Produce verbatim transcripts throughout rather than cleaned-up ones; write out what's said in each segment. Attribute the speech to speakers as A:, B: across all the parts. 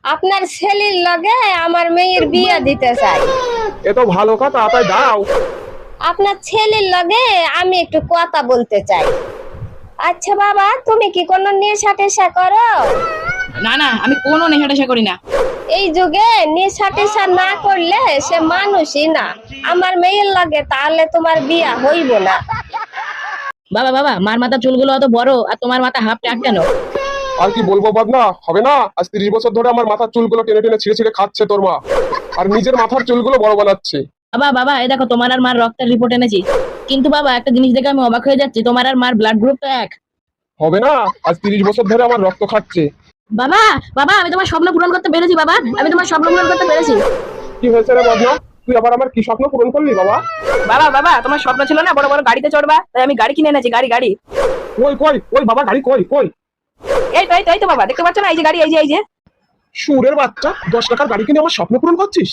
A: আপনার ছেলের লগে আমার মেয়ের বিয়ে দিতে চাই।
B: এ তো ভালো কথা, তাই দাও।
A: আপনার ছেলের লগে আমি একটু কথা বলতে চাই। আচ্ছা বাবা, তুমি কি কোনো নেশা টেশা করো?
C: না না, আমি কোনো নেশা টেশা করি না।
A: এই যুগে নেশা টেশা না করলে সে মানুষই না। আমার মেয়ের লগে তাহলে তোমার বিয়া হইব না।
C: বাবা বাবা, মার মাথা চুলগুলো অত বড় আর তোমার মাথা হাফ টাক কেন?
B: আর কি বলবো বদনা, হবে না? আজ তিরিশ বছর ধরে আমার মাথার চুলগুলো টেনে টেনে ছিঁড়ে ছিঁড়ে খাচ্ছে তোর মা, আর নিজের মাথার চুলগুলো বড় বানাচ্ছে।
C: বাবা বাবা, এই দেখো তোমার আর মার রক্তের রিপোর্ট এনেছি। কিন্তু বাবা, একটা জিনিস দেখে আমি অবাক হয়ে যাচ্ছি, তোমার আর মার ব্লাড গ্রুপ তো এক।
B: হবে না? আজ তিরিশ বছর ধরে আমার রক্ত খাচ্ছে।
C: বাবা বাবা, আমি তোমার স্বপ্ন পূরণ করতে পেরেছি। বাবা, আমি তোমার স্বপ্ন পূরণ করতে পেরেছি।
B: কি হয়েছে রে বদনা, তুই আবার আমার কি স্বপ্ন পূরণ করলি বাবা?
C: বাবা বাবা, তোমার স্বপ্ন ছিল না বড় বড় গাড়িতে চড়বা, তাই আমি গাড়ি কিনে এনেছি। গাড়ি গাড়ি
B: কই কই ওই বাবা, গাড়ি কই কই?
C: এই তো এই তো এই তো বাবা, দেখতে পাচ্ছ না? এই যে গাড়ি, এই যে এই যে।
B: সুরের বাচ্চা, দশ টাকার গাড়ি কিনে আমার স্বপ্ন পূরণ করছিস?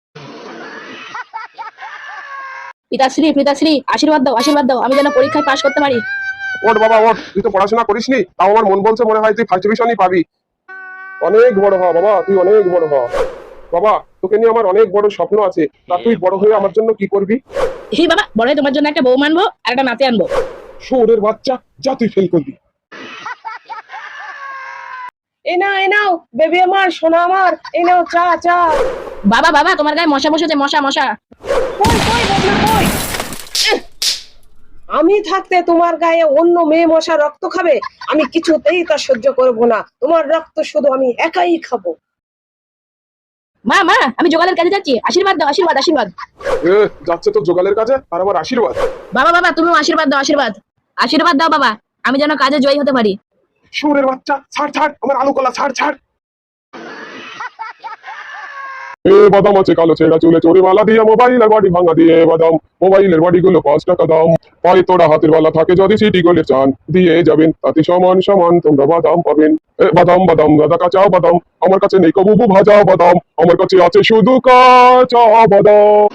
C: পিতাশ্রী পিতাশ্রী, আশীর্বাদ দাও আশীর্বাদ দাও, আমি যেন পরীক্ষায় পাশ করতে পারি।
B: ওঠ বাবা ওঠ, তুই তো পড়াশোনা করিসনি, তাও আমার মন বলছে মনে হয় তুই ফার্স্ট ডিভিশনই পাবি। অনেক বড় হ বাবা, তুই অনেক বড় হ বাবা। তোকে নিয়ে আমার অনেক বড় স্বপ্ন আছে, তা তুই বড় হয়ে আমার জন্য কি করবি?
C: এই বাবা, বড় হয়ে তোমার জন্য একটা বউ আনবো আর একটা নাতি আনবো।
B: সুরের বাচ্চা, যা তুই ফেল করবি।
D: এই নাও এই নাও বেবি আমার, সোনা আমার, এই নাও চা চা।
C: বাবা বাবা, তোমার গায়ে মশা বসেছে, মশা মশা।
D: কই কই বদনা কই? এহ! আমি থাকতে তোমার গায়ে অন্য মেয়ে মশা রক্ত খাবে? আমি কিছুতেই তা সহ্য করব না। তোমার রক্ত শুধু আমি একাই খাবো।
C: মা মা, আমি জোগালের কাছে যাচ্ছি, আশীর্বাদ দাও আশীর্বাদ আশীর্বাদ।
B: এ যাচ্ছে তো জোগালের কাছে, আর আমার আশীর্বাদ।
C: বাবা বাবা, তুমিও আশীর্বাদ দাও আশীর্বাদ আশীর্বাদ দাও বাবা, আমি যেন কাজে জয়ী হতে পারি।
B: সুরের বাচ্চা, ছাড় ছাড় আমার আলু কলা, ছাড় ছাড়। এ বাদাম আছে কালো ছেঁড়া চুলে চোরে মালা দিয়ে, মোবাইলের বডি ভাঙা দিয়ে বাদাম, মোবাইলের বডি গুলো পাঁচ টাকা দাম। পায়ে তোরা হাতের বেলা থাকে যদি সিটি গোলে চান, দিয়ে যাবেন তাতে সমান সমান তোমরা বাদাম পাবেন। এ বাদাম বাদাম দাদা কাঁচা বাদাম, আমার কাছে নেই কবুবু ভাজা বাদাম, আমার কাছে আছে শুধু কাঁচা বাদাম।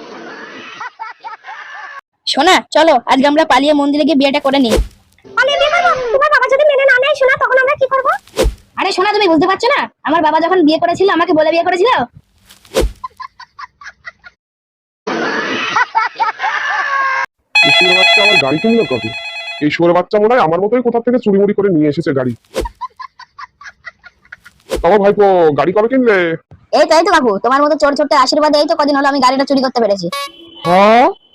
C: শোনা, চলো আজকে আমরা পালিয়ে মন্দিরে গিয়ে বিয়েটা করে নিই।
A: পালিয়ে বিয়ে করবো? তোমার বাবা যদি মেনে না নেয় শোনা, তখন আমরা কি করবো?
C: আরে শোনা, তুমি বুঝতে পারছো না? আমার বাবা যখন বিয়ে করেছিল আমাকে বলে বিয়ে করেছিল।
B: এই শুয়োর বাচ্চা আমার গাড়ি কিনলো কবে? এই শুয়োর বাচ্চা মনে হয় আমার মতোই কোথা থেকে চুরি মুড়ি করে নিয়ে এসেছে গাড়ি। আমার ভাইপো, গাড়ি কবে কিনলে?
E: এই তো এই তো কাকু, তোমার মতো চোর ছোট্ট আশীর্বাদে এই তো কদিন হলো আমি গাড়িটা চুরি করতে পেরেছি।
B: হ্যাঁ